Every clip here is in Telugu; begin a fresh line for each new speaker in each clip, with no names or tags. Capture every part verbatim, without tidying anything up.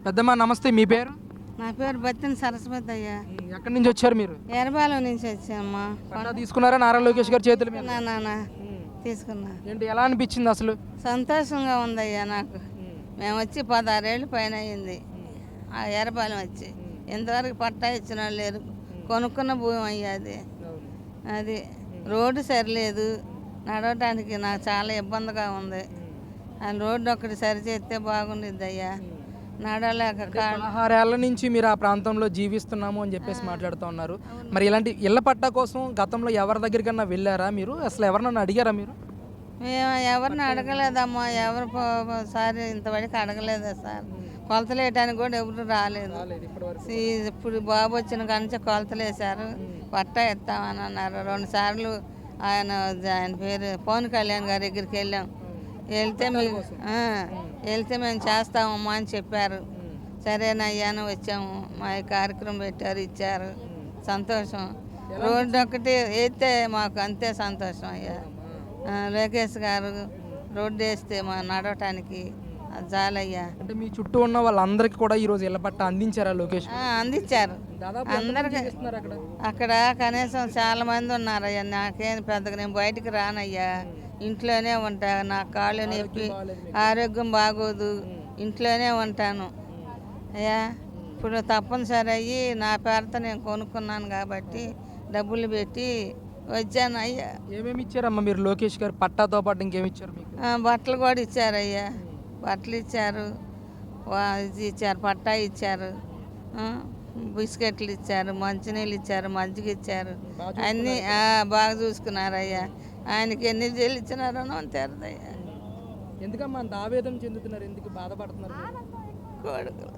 పెద్దమ్మ నమస్తే, మీ పేరు?
నా పేరు బత్తిన సరస్వతి అయ్యా.
ఎక్కడి నుంచి వచ్చారు మీరు?
ఎర్రబాలెం నుంచి వచ్చామ్మా.
పట్టా తీసుకున్నారా నారా లోకేష్ గారి చేతుల మీద?
నాన్న తీసుకున్నా.
ఏంటి, ఎలా అనిపించింది అసలు?
సంతోషంగా ఉందయ్యా నాకు. మేము వచ్చి పదహారేళ్ళు పైన అయింది ఆ ఎర్రబాలెం వచ్చి. ఇంతవరకు పట్టా ఇచ్చిన వాళ్ళు లేరు. కొనుక్కున్న భూమి అయ్యా అది. అది రోడ్డు సరిలేదు, నడవటానికి నాకు చాలా ఇబ్బందిగా ఉంది. ఆ రోడ్డు ఒకటి సరి చేస్తే బాగుండిద్ది అయ్యా. నడవలేక కాళ్ళు.
పదహారేళ్ల నుంచి మీరు ఆ ప్రాంతంలో జీవిస్తున్నాము అని చెప్పేసి మాట్లాడుతూ ఉన్నారు. మరి ఇలాంటి ఇళ్ల పట్టా కోసం గతంలో ఎవరి దగ్గరికన్నా వెళ్ళారా మీరు? అసలు ఎవరన్నా అడిగారా మీరు?
మేము ఎవరిని అడగలేదమ్మా. ఎవరు సారి ఇంతవరకు అడగలేదా సార్. కొలతలు వేయడానికి కూడా ఎవరు రాలేదు. ఇప్పుడు బాబు వచ్చిన కానించి కొలతలు వేశారు, పట్టా ఇస్తామని అన్నారు. రెండు సార్లు ఆయన ఆయన పేరు పవన్ కళ్యాణ్ గారి దగ్గరికి వెళ్ళాం. వెళ్తే మీకు వెళ్తే మేము చేస్తామమ్మా అని చెప్పారు. సరేనయ్యాను వచ్చాము. మా కార్యక్రమం పెట్టారు, ఇచ్చారు. సంతోషం. రోడ్డు ఒకటి వేస్తే మాకు అంతే సంతోషం అయ్యా. లోకేష్ గారు రోడ్డు వేస్తే మా నడవటానికి అది చాలయ్యా.
అంటే మీ చుట్టూ ఉన్న వాళ్ళందరికీ కూడా ఈరోజు ఇళ్ల పట్టా అందించారా లోకేష్?
అందించారు అందరికి. అక్కడ కనీసం చాలా మంది ఉన్నారయ్యా. నాకేం పెద్దగా నేను బయటికి రానయ్యా, ఇంట్లోనే ఉంటా. నా కాళ్ళు నొప్పి, ఆరోగ్యం బాగోదు, ఇంట్లోనే ఉంటాను అయ్యా. ఇప్పుడు తప్పనిసరి అయ్యి నా పేరుతో నేను కొనుక్కున్నాను కాబట్టి డబ్బులు పెట్టి వచ్చాను అయ్యా.
ఏమేమి ఇచ్చారమ్మా మీరు లోకేష్ గారు పట్టాతో పాటు ఇంకేమి ఇచ్చారు మీకు?
బట్టలు కూడా ఇచ్చారయ్యా. బట్టలు ఇచ్చారు, ఇది ఇచ్చారు, పట్టా ఇచ్చారు, బిస్కెట్లు ఇచ్చారు, మంచినీళ్ళు ఇచ్చారు, మజ్జిగ ఇచ్చారు. అన్నీ బాగా చూసుకున్నారయ్యా. ఆయనకి ఎన్ని జైలు ఇచ్చినారో తెరదయ్యా.
ఎందుకమ్మా అంత ఆవేదన చెందుతున్నారు? ఎందుకు బాధపడుతున్నారు?
కొడుకులు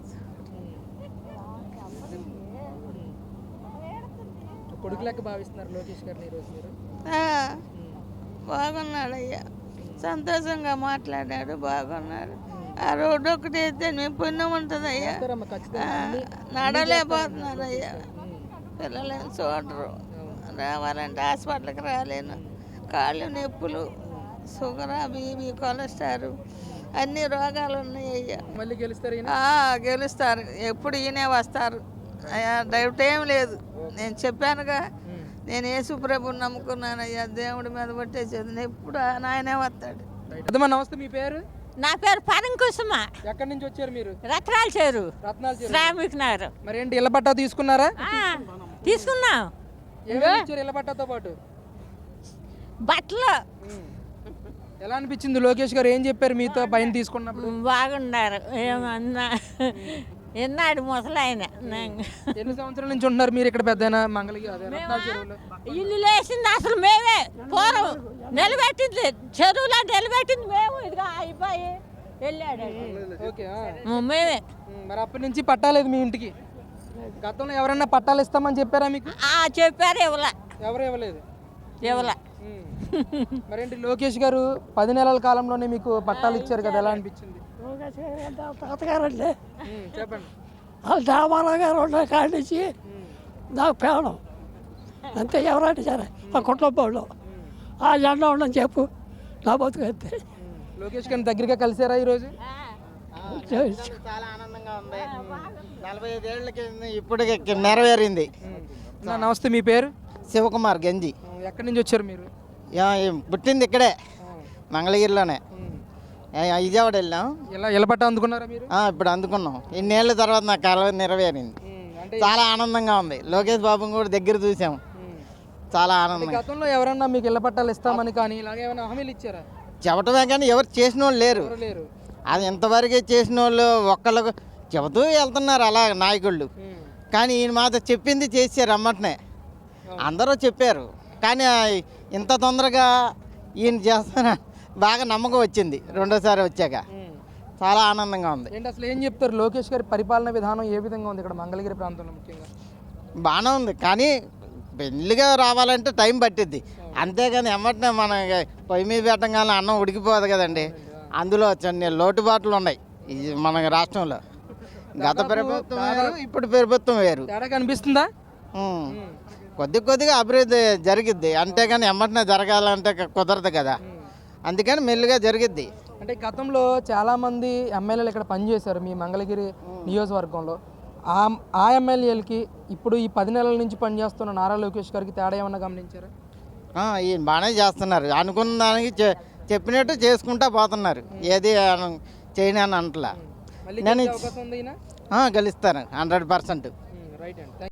కొడుకు లెక్క భావిస్తున్నారు లోకేష్ గారిని ఈరోజు మీరు?
బాగున్నాడయ్యా, సంతోషంగా మాట్లాడాడు, బాగున్నాడు. ఆ రోడ్డు ఒకటి అయితే మేము పుణ్యం ఉంటుంది అయ్యా. నడలేకపోతున్నారు అయ్యా. పిల్లలేని చూడరు. రావాలంటే హాస్పిటల్కి రాలేను. కాళ్ళు నొప్పులు, షుగర్, బీపీ, కొలెస్ట్రాల్ అన్ని రోగాలు ఉన్నాయి అయ్యా.
మళ్ళీ గెలుస్తారు?
గెలుస్తారు. ఎప్పుడు ఈయనే వస్తారు అయ్యా. డౌట్ ఏం లేదు. నేను చెప్పానుగా, నేను యేసుప్రభుని నమ్ముకున్నానయ్యా. దేవుడి మీద పట్టేసేది ఎప్పుడు నాయనే వస్తాడు.
నమస్తే, మీ పేరు?
నా పేరు పరం కుసుమ.
ఎక్కడి నుంచి వచ్చారు మీరు?
రత్నాల చేరు,
రత్నాల చేరు,
శ్రామిక్ నగర్.
మరి ఏంటి ఇళ్ల పట్టా తీసుకున్నారా?
తీసుకున్నాం.
ఇళ్ల పట్టాతో పాటు
బట్టలు.
ఎలా అనిపించింది? లోకేష్ గారు ఏం చెప్పారు మీతో పైన తీసుకున్నప్పుడు?
బాగున్నారు. ఏమన్నా ఎన్నాడు ముసలాయన.
ఎన్ని సంవత్సరాల నుంచి ఉంటున్నారు మీరు ఇక్కడ? పెద్ద మంగళగిరి
ఇల్లు లేచింది అసలు మేమే. పూర్వం నిలబెట్టింది చెరువులో నిలబెట్టింది మేము. ఇదిగా అయిపోయి వెళ్ళాడు మేమే.
మరి అప్పటి నుంచి పట్టాలేదు మీ ఇంటికి? గతంలో ఎవరైనా పట్టాలు ఇస్తామని చెప్పారా మీకు?
చెప్పారు, ఇవ్వలే.
ఎవరు ఇవ్వలేదు?
ఇవ్వలే.
మరేంటి లోకేష్ గారు పది నెలల కాలంలోనే మీకు పట్టాలు ఇచ్చారు కదా, ఎలా అనిపించింది?
తాతగారండి,
చెప్పండి.
వాళ్ళు దామారావు గారు ఉన్న కాడి నుంచి నాకు పేవడం అంతే. ఎవరంటే సరే ఆ కుటుంబంలో ఆ జెండా ఉండని చెప్పు, నా బతుకు అంతే.
లోకేష్ గారిని దగ్గరగా కలిసారా ఈరోజు?
చాలా ఆనందంగా ఉంది. నలభై ఐదు ఏళ్ళకి ఇప్పుడు నెరవేరింది.
నమస్తే, మీ పేరు?
శివకుమార్ గంజి.
ఎక్కడి నుంచి వచ్చారు మీరు?
పుట్టింది ఇక్కడే మంగళగిరిలోనే. విజయవాడ వెళ్ళాం.
ఇలా ఇళ్ల పట్టా అందుకున్నారా మీరు?
ఇప్పుడు అందుకున్నాం. ఇన్నేళ్ళ తర్వాత నా కళ నెరవేరింది. చాలా ఆనందంగా ఉంది. లోకేష్ బాబుని కూడా దగ్గర చూసాం. చాలా ఆనందం.
గతంలో ఎవరన్నా మీకు ఇళ్ల పట్టాలు ఇస్తామని కానీ ఇలాగే ఏమైనా హామీలు ఇచ్చారా?
చెప్పటమే కానీ ఎవరు చేసిన వాళ్ళు లేరు.
లేరు.
అది ఎంతవరకే చేసిన వాళ్ళు ఒక్కళ్ళకు చెబుతూ వెళ్తున్నారు అలా నాయకుళ్ళు. కానీ ఈయన మాత్రం చెప్పింది చేశారు అమ్మటనే. అందరూ చెప్పారు కానీ ఇంత తొందరగా ఈయన చేస్తున్నా బాగా నమ్మకం వచ్చింది రెండోసారి వచ్చాక. చాలా ఆనందంగా ఉంది.
ఏంటి అసలు ఏం చెప్తారు? లోకేష్ గారి పరిపాలన విధానం ఏ విధంగా ఉంది ఇక్కడ మంగళగిరి ప్రాంతంలో ముఖ్యంగా?
బాగానే ఉంది కానీ పెళ్ళిగా రావాలంటే టైం పట్టిద్ది. అంతేగాని ఎమ్మటనే మన పొయ్యి మీద పెట్టగానే అన్నం ఉడికిపోదు కదండి. అందులో చిన్న లోటుబాట్లు ఉన్నాయి ఇది మన రాష్ట్రంలో. గత ప్రభుత్వం వేరు, ఇప్పుడు ప్రభుత్వం వేరు.
తేడా కనిపిస్తుందా?
కొద్ది కొద్దిగా అభివృద్ధి జరిగిద్ది. అంతేగాని ఎమ్మటనే జరగాలంటే కుదరదు కదా. అందుకని మెల్లిగా జరిగిద్ది.
అంటే గతంలో చాలామంది ఎమ్మెల్యేలు ఇక్కడ పనిచేశారు మీ మంగళగిరి నియోజకవర్గంలో. ఆ ఆ ఎమ్మెల్యేలకి ఇప్పుడు ఈ పది నెలల నుంచి పనిచేస్తున్న నారా లోకేష్ గారికి తేడా ఏమన్నా గమనించారా?
ఆ, ఈయన బాగానే చేస్తున్నారు. అనుకున్న దానికి చె- చెప్పినట్టు చేసుకుంటా పోతున్నారు. ఏది అన- చేయని అని అంటలా.
మళ్ళీ
నేను
గెలిచే అవకాశం ఉంది ఈయన?
ఆ, గెలుస్తాను హండ్రెడ్ పర్సెంట్.
రైట్ అండి.